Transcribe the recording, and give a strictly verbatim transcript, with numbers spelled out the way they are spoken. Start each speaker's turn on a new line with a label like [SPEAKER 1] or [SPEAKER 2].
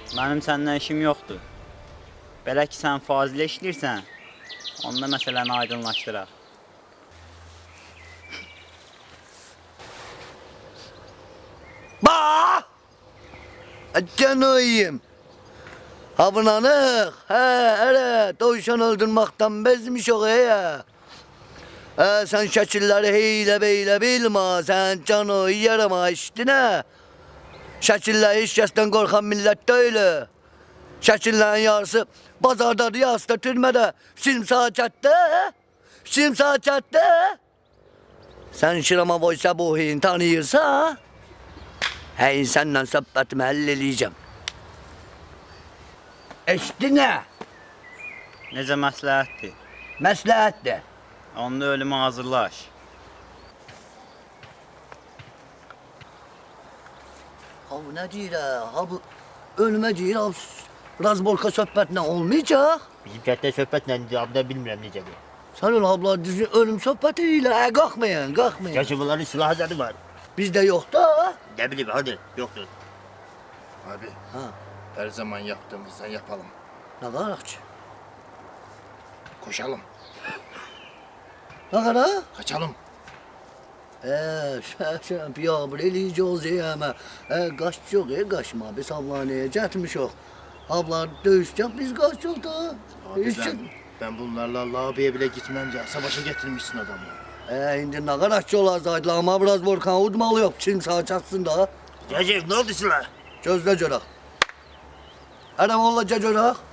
[SPEAKER 1] Mənim səndən işim yoxdur. Belə ki, sən Fazilə işləyirsən, onda məsələni aydınlaşdıraq.
[SPEAKER 2] Bax! Canıyım. Havınanıq, hə, hələ, dovşan öldürməkdən bezmiş o, hə. Hə, sən şəkilləri heylə beylə bilmə, sən canı yarama işdinə. Şəkilləri heç kəsdən qorxan millət deyil. Şəkillərin yarısı bazardadır, yarısı da türmədə. Simsakətdə, simsakətdə. Sən Şirama Voysa Buhi'ni tanıyırsa, hey, səndən söhbətimi həll eləyəcəm. Eşdinə?
[SPEAKER 1] Necə məsləhətdir?
[SPEAKER 2] Məsləhətdir.
[SPEAKER 1] Onda ölümə hazırlaş.
[SPEAKER 2] Ha bu nə deyir hə? Ha bu ölümə deyir, ha razborka söhbətlə olmayacaq.
[SPEAKER 3] Bizim kətdə söhbət nədir, abda bilmirəm necədir.
[SPEAKER 2] Sən öyle abla düzgün ölüm söhbəti ilə, hə, qalxmayın, qalxmayın.
[SPEAKER 3] Yaşıbıların silahı zadı var.
[SPEAKER 2] Bizdə yoxdur ha?
[SPEAKER 3] Ne bileyim hadi, yoktur.
[SPEAKER 4] Abi,
[SPEAKER 2] Ha,
[SPEAKER 4] her zaman yaptığımızdan yapalım.
[SPEAKER 2] nə qaraq ki?
[SPEAKER 4] Koşalım,
[SPEAKER 2] Nə qaraq?
[SPEAKER 4] kaçalım.
[SPEAKER 2] Eee, şəhşəm, piyabır eləyəcəyiz yəmə. Eee, qaç yox, e, qaçma, biz avlanıya gətmişik. Ablar döyüşəcək, biz qaçıq da.
[SPEAKER 4] Abi
[SPEAKER 2] Heç
[SPEAKER 4] ben,
[SPEAKER 2] kim-
[SPEAKER 4] ben bunlarla lobiye bile gitmem ya. Savaşa getirmişsin adamı.
[SPEAKER 2] Eee, indi nə qaraq ki olacaqdı, amma biraz borkan udmalı yox, Çin sağa çatsın da.
[SPEAKER 3] Recep ne oldu silah?
[SPEAKER 2] Gözlə görək. Ərəm ola görək.